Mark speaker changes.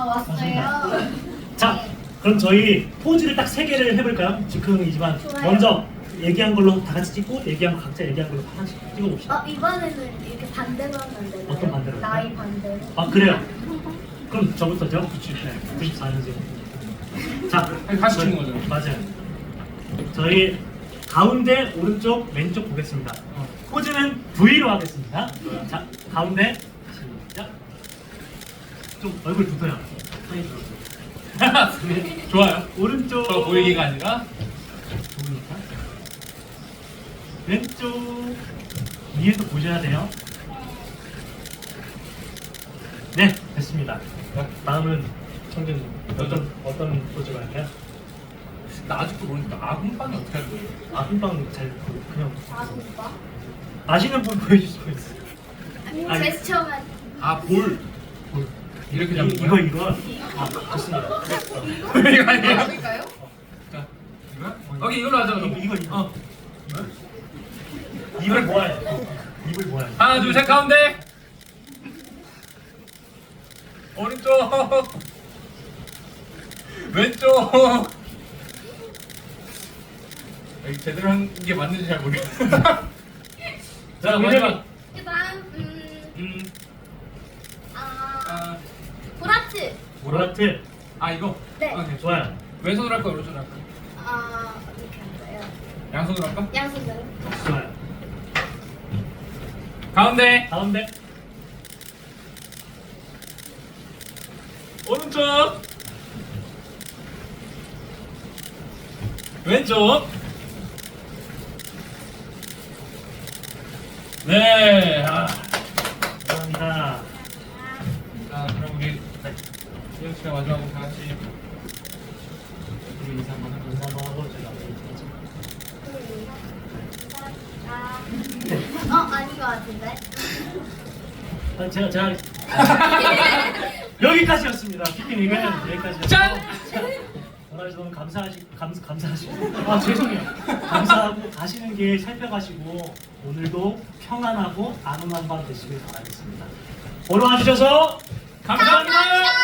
Speaker 1: 왔어요.
Speaker 2: 자, 그럼 저희 포즈를 딱 3개를 해볼까요? 즉흥이지만
Speaker 1: 좋아요.
Speaker 2: 먼저 얘기한 걸로 다 같이 찍고 얘기한 거 각자 얘기한 걸로 하나씩 찍어봅시다.
Speaker 1: 이번에는 이렇게 반대로 하면 안 되나요?
Speaker 2: 어떤 반대로 할까요?
Speaker 1: 나이 반대로.
Speaker 2: 아 그래요? 그럼 저부터죠? 네, 94년생. 자,
Speaker 3: 다시 찍는 거죠?
Speaker 2: 맞아요. 저희 가운데 오른쪽 왼쪽 보겠습니다. 포즈는 V로 하겠습니다. 자, 가운데 시작. 좀 얼굴 붙어요. 손이 들어오세요.
Speaker 3: 좋아요.
Speaker 2: 오른쪽
Speaker 3: 저 보이기가 아니라
Speaker 2: 보이니까 왼쪽 위에도 보셔야 돼요. 네, 됐습니다. 다음은 청준님 어떤 포즈로 할까요?
Speaker 3: 나 아직도 모르니까 아군빵이 어떻게 하는 거예요?
Speaker 2: 아금빵 잘 그냥
Speaker 1: 오빠?
Speaker 2: 아시는 분 보여줄 수 있어요. 아니.
Speaker 1: 제스처만.
Speaker 3: 볼 이렇게 잡는
Speaker 2: 이거
Speaker 3: 거예요?
Speaker 2: 이거 아 좋습니다.
Speaker 3: 이거 아니에요?
Speaker 4: 할까요?
Speaker 3: 자, 이거? 오케이 이걸로 하자 그럼.
Speaker 2: 이거. 입을 모아야 돼. 입을 모아야 돼.
Speaker 3: 하나 둘 셋 가운데 오른쪽 왼쪽 여기 제대로 한 게 맞는지 잘 모르겠어. 자 마지막
Speaker 1: 그다음
Speaker 3: 아,
Speaker 1: 보라트.
Speaker 2: 모라트
Speaker 3: 이거
Speaker 1: 네.
Speaker 3: 네.
Speaker 2: 좋아요.
Speaker 3: 왼손으로 할까 오른손으로 할까?
Speaker 1: 이렇게 할까요?
Speaker 3: 양손으로 할까?
Speaker 1: 양손으로.
Speaker 2: 좋아요.
Speaker 3: 가운데
Speaker 2: 가운데
Speaker 3: 오른쪽 왼쪽 네.
Speaker 2: 감사합니다.
Speaker 3: 자 그럼 우리 수영 씨가 마지막으로 다 같이 우리 인사 한번 해보자.
Speaker 2: 인사 한번 하고 저희 마무리 하죠.
Speaker 1: 아닌 것 같은데.
Speaker 2: 제가 여기까지였습니다. 피크닉은 여기까지였고.
Speaker 3: 짠!
Speaker 2: 오늘 너무 감사하시고 죄송해요. 감사하고 가시는 길 살펴가시고 오늘도 평안하고 안온한 밤 되시길 바라겠습니다. 보러 와주셔서 감사합니다.